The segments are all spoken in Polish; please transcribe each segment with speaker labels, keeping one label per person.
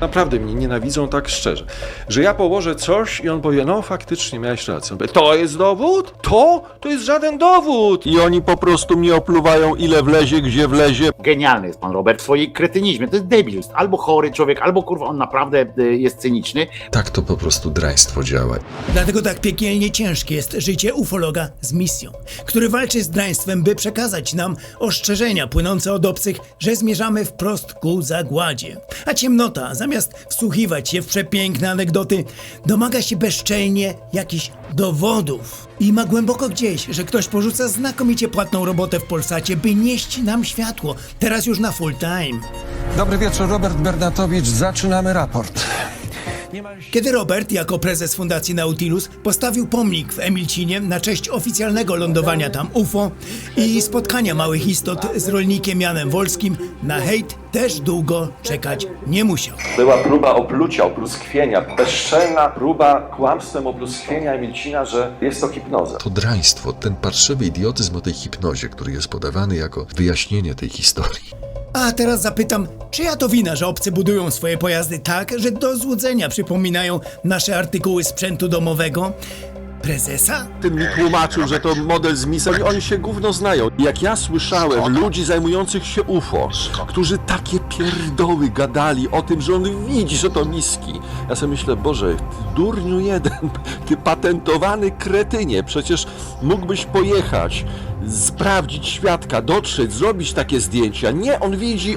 Speaker 1: Naprawdę mnie nienawidzą tak szczerze, że ja położę coś i on powie, no faktycznie miałeś rację. On powie, to jest dowód? To jest żaden dowód.
Speaker 2: I oni po prostu mnie opluwają, ile wlezie, gdzie wlezie.
Speaker 3: Genialny jest pan Robert w swojej kretynizmie. To jest debil. Albo chory człowiek, albo kurwa on naprawdę jest cyniczny.
Speaker 4: Tak to po prostu draństwo działa.
Speaker 5: Dlatego tak piekielnie ciężkie jest życie ufologa z misją, który walczy z draństwem, by przekazać nam ostrzeżenia płynące od obcych, że zmierzamy wprost ku zagładzie. A ciemnota, zamiast wsłuchiwać się w przepiękne anegdoty, domaga się bezczelnie jakichś dowodów. I ma głęboko gdzieś, że ktoś porzuca znakomicie płatną robotę w Polsacie, by nieść nam światło, teraz już na full time.
Speaker 6: Dobry wieczór, Robert Bernatowicz. Zaczynamy raport.
Speaker 5: Kiedy Robert, jako prezes Fundacji Nautilus, postawił pomnik w Emilcinie na cześć oficjalnego lądowania tam UFO i spotkania małych istot z rolnikiem Janem Wolskim, na hejt też długo czekać nie musiał.
Speaker 1: Była próba oplucia, opluskwienia, bezczelna próba kłamstwem opluskwienia Emilcina, że jest to hipnoza.
Speaker 4: To draństwo, ten parszywy idiotyzm o tej hipnozie, który jest podawany jako wyjaśnienie tej historii.
Speaker 5: A teraz zapytam, czyja to wina, że obcy budują swoje pojazdy tak, że do złudzenia przypominają nasze artykuły sprzętu domowego? Prezesa?
Speaker 2: Ten mi tłumaczył, że to model z misji. Oni się gówno znają. Jak ja słyszałem ludzi zajmujących się UFO, którzy takie pierdoły gadali o tym, że on widzi, że to miski. Ja sobie myślę, Boże, durniu jeden, ty patentowany kretynie, przecież mógłbyś pojechać, sprawdzić świadka, dotrzeć, zrobić takie zdjęcia. Nie, on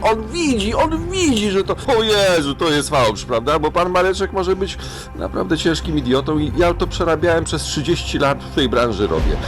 Speaker 2: widzi, że to... O Jezu, to jest fałsz, prawda? Bo pan Mareczek może być naprawdę ciężkim idiotą i ja to przerabiałem przez 30 lat w tej branży robię.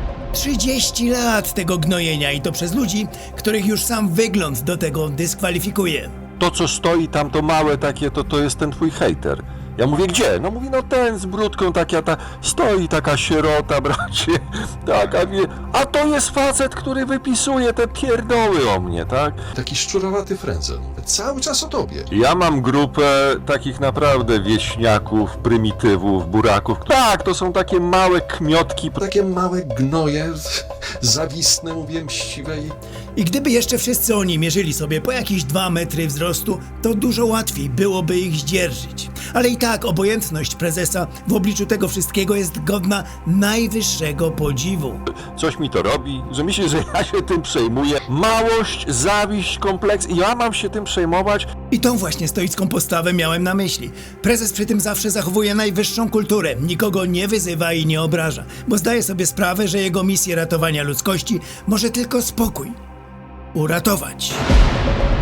Speaker 5: 30 lat tego gnojenia i to przez ludzi, których już sam wygląd do tego dyskwalifikuje.
Speaker 2: To, co stoi tam, to małe takie, to jest ten twój hejter. Ja mówię, gdzie? No mówi, no ten z brudką, stoi taka sierota, bracie, taka wie, a to jest facet, który wypisuje te pierdoły o mnie, tak?
Speaker 4: Taki szczurowaty frędzel, cały czas o tobie.
Speaker 2: Ja mam grupę takich naprawdę wieśniaków, prymitywów, buraków. Tak, to są takie małe kmiotki.
Speaker 4: Takie małe gnoje, zawistne, mówię, mściwe
Speaker 5: I gdyby jeszcze wszyscy oni mierzyli sobie po jakieś 2 metry wzrostu, to dużo łatwiej byłoby ich zdzierżyć. Ale i tak obojętność prezesa w obliczu tego wszystkiego jest godna najwyższego podziwu.
Speaker 2: Coś mi to robi, że myślę, że ja się tym przejmuję. Małość, zawiść, kompleks i ja mam się tym przejmować.
Speaker 5: I tą właśnie stoicką postawę miałem na myśli. Prezes przy tym zawsze zachowuje najwyższą kulturę, nikogo nie wyzywa i nie obraża, bo zdaje sobie sprawę, że jego misję ratowania ludzkości może tylko spokój uratować.